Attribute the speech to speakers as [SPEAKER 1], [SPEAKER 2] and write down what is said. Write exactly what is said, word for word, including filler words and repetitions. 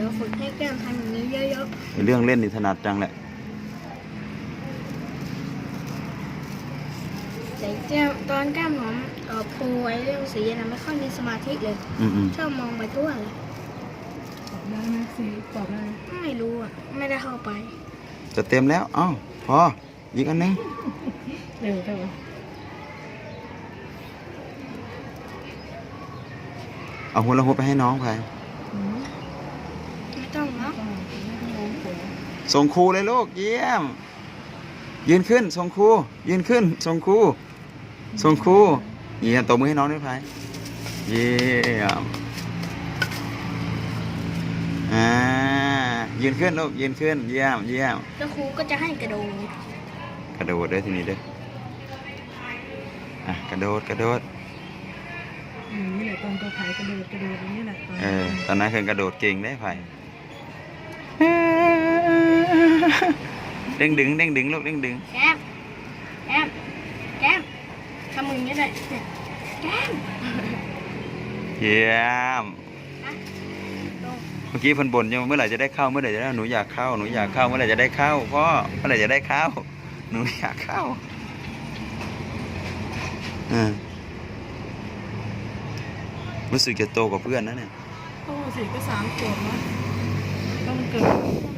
[SPEAKER 1] ยวฝึกให้แก้มทำอย่างนี้เยอะ
[SPEAKER 2] ๆเรื่องเล่นนี่ถนัดจังแหละ
[SPEAKER 1] ๆแต่แก้มตอนแก้มหอมเอ่อปูไว้เรื่องสีนะไม่ค่อยมีสมาธิเลย
[SPEAKER 2] อืม
[SPEAKER 1] ชอบมองไปทั่วเลย
[SPEAKER 3] ตอบได้ไหมสีตอบได้ไหม
[SPEAKER 1] ไม่รู้อ่ะไม่ได้เข้าไป
[SPEAKER 2] ๆจะเต็มแล้วอ้าวพออีกอันนึง
[SPEAKER 3] เร็วเร็ว
[SPEAKER 2] เอาหัวละหัวไปให้น้องไป
[SPEAKER 3] อืม
[SPEAKER 1] ไม่ต้องเนาะ
[SPEAKER 3] ต้องไม่ต้องร้องเสีย
[SPEAKER 2] ส่งครูเลยลูกเยี่ยมยืนขึ้นส่งครูยืนขึ้นส่งครูส่งครูเยี่ยมตบมือให้น้องด้วยไปเยี่ยมอ่ายืนขึ้นลูกยืนขึ้นเยี่ยมเยี่ยม
[SPEAKER 1] แล้วครูก็จะให้กระโดด
[SPEAKER 2] กระโดดด้วยทีนี้ด้วยอ่ะกระโดดกระโดด
[SPEAKER 3] อืมนี่แหละตอนตัวไผ่กระโดดกระโดดอย่างนี้แหละตอน
[SPEAKER 2] เออตอนนั้นคือกระโดดเก่งได้ไผ่เด้งดึงเด้งดึงลูกเด้งดึง
[SPEAKER 1] แก้มแก้มแก้มทำมืออย่างนี้เลยเนี่ยแก้ม
[SPEAKER 2] เยี่ยม
[SPEAKER 1] นะลง
[SPEAKER 2] เมื่อกี้เพิ่นบ่นยังเมื่อไหร่จะได้เข้าเมื่อไหร่จะได้หนูอยากเข้าหนูอยากเข้าเมื่อไหร่จะได้เข้าพ่อเมื่อไหร่จะได้เข้าหนูอยากเข้าอ่ารู้สึกจะโตกว่าเพื่อนนะเนี่ย
[SPEAKER 3] โอ้สิก็สามขวบแล้วต้องเกิด